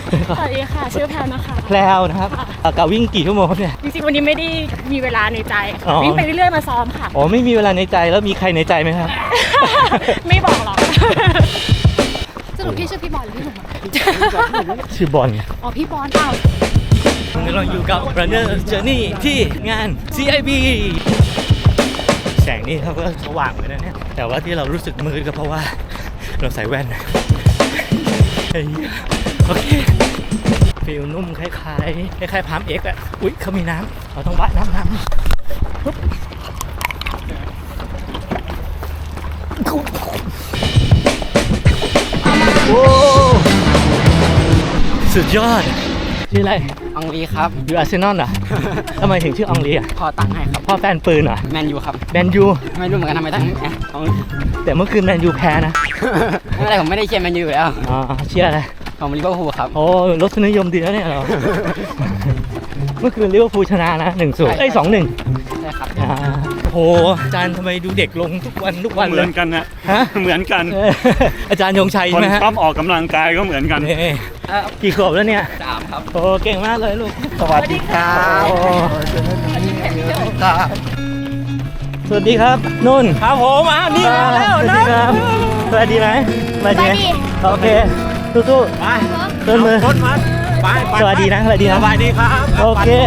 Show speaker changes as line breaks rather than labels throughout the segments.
สวัสดีค่ะชื่อแพลนะคะ
แพลวนะครับกับวิ่งกี่ชั่วโมงครับเนี่ย
จริงๆวันนี้ไม่ได้มีเวลาในใจ
อ๋อ
วิ่งไปเรื่อยๆมาซ้อมค่ะ
อ๋อไม่มีเวลาในใจแล้วมีใครในใจไหมครับ
ไม่บอกหรอก
สรุปพี่ชื่อพี่บอลหรือพี่หนุ่มอะ
ชื่อบอล
อ๋อพี่บอลอ้าว
วันนี้เราอยู่กับ Runner Journey ที่งาน CIB แสงนี่เขาก็สว่างเลยนะเนี่ยแต่ว่าที่เรารู้สึกมืดก็เพราะว่าเราใส่แว่นเฮ้ยโอเคฟิลนุ่มคล้ายๆพามเอ็กอะอุ๊ยเขามีน้ำเราต้องว่ายน้ำปุ๊บโอ้สุดยอดชื่ออะไร
อองลีครับ
อยู่อาร์เซนอลเหรอ ทำไมถึงชื่ออองลีอ่ะ
พอตังค์ให้ครับ
พ่อแฟนปืนเหรอ
แมนยูครับ
แมนยู
ไม่รู้เหมือนกันทำไมตั้งเอา
แต่เมื่อคืนแมนยูแพ้นะ
ไม่เป็นไรผมไม่ได้เชียร์แมนยูอยู่แล้ว
อ๋อเชียร์อะไร
ผมลิเวอร์พูลครับ
โอ้รสนิยมดีแล้วเนี่ยเรา เมื่อคืนลิเวอร์พูลชนะนะ1-0เอ้ย 2-1
ใช่ครับ
โอ้โหอาจารย์ทำไมดูเด็กลงทุกวัน
เห
เล
มือย นกันนะ
ฮะ
เหมือนกัน
เอออาจารย์ยงชัย
ค
ใช่
น
ไหมฮะ
ชอบออกกำลังกายก็เหมือนกัน
นี่กี่ขวบแล้วเนี่ย
3 ครับ
โอ้เก่งมากเลยลูก สวัสดีครับสวัสดีครับนุ่นครับผมนี่มาแล้วนะสวัสดีไหมสวัสดีไหมโอเคสู้ๆไปต้นมือไปสวัสดีนะสวัสดีนะสวัสดีครับโอเค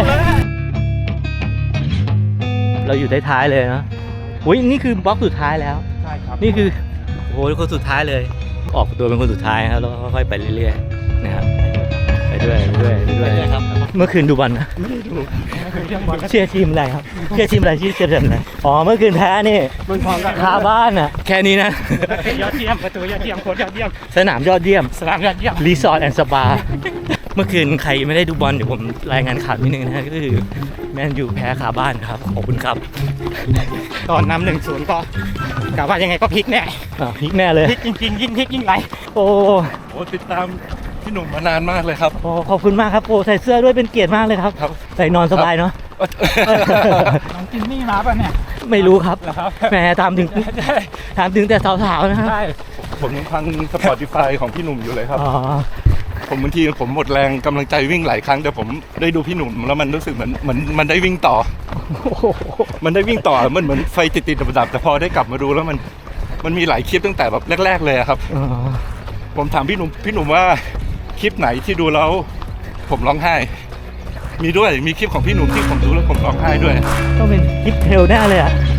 เราอยู่ท้ายๆเลยนะอุ้ยนี่คือบล็อกสุดท้ายแล้วใช่ครับนี่คือโอ้โหคนสุดท้ายเลยออกตัวเป็นคนสุดท้ายครับแล้วค่อยๆไปเรื่อยๆนะครับไปด้วยครับเมื่อคืนดูบอลนะไม่ได้ดูเชียร์ทีมอะไรครับเชียร์ทีมอะไรเชียร์ทีมอะไรอ๋อเมื่อคืนแพ้นี่มันพร้อมกันคาบ้านอ่ะแค่นี้นะ
ยอดเยี่ยมประตูยอดเยี่ยมโค้ชยอดเยี่ยม
สนามยอดเยี่ยม
สนามยอดเยี่ยม
รีสอร์ทแอนด์สปาเมื่อคืนใครไม่ได้ดูบอลเดี๋ยวผมรายงานข่าวนิดนึงนะฮะก็คือแมนยูแพ้คาบ้านครับขอบคุณครับ
ตอนนำ1-0ก็กะว่ายังไงก็พลิกแน่
พลิกแน่เลย
พลิกจริงๆยิ่งพลิกยิ่งไหล
โอ้
โอ้ติดตามพี่หนุ่มมานานมากเลยครับ
โอ้ขอบคุณมากครับโอ้ใส่เสื้อด้วยเป็นเกียรติมากเลยครับ
ครับ
ใส่นอนสบายเนาะ
น้องจินนี่มาป่ะเนี่ย
ไม่รู้ครับ
เหรอครับ
แหมถามถึงแต่สาวๆนะครับ
ใช่
ผมยังฟัง Spotify ของพี่หนุ่มอยู่เลยครับ
อ๋อ
ผมบางทีผมหมดแรงกำลังใจวิ่งหลายครั้งแต่ผมได้ดูพี่หนุ่มแล้วมันรู้สึกเหมือนมันได้วิ่งต่อ มันได้วิ่งต่อมันเหมือนไฟติดๆดับๆแต่พอได้กลับมาดูแล้วมันมีหลายคลิปตั้งแต่แบบแรกๆเลยอะครับ
อ๋อ
ผมถามพี่หนุ่มว่าคลิปไหนที่ดูแล้วผมร้องไห้ มีคลิปของพี่หนุ่มที่ผมดูแล้วผมร้องไห้ด้วย
ต้องเป็นคลิปเทลแน่เลยอ่ะ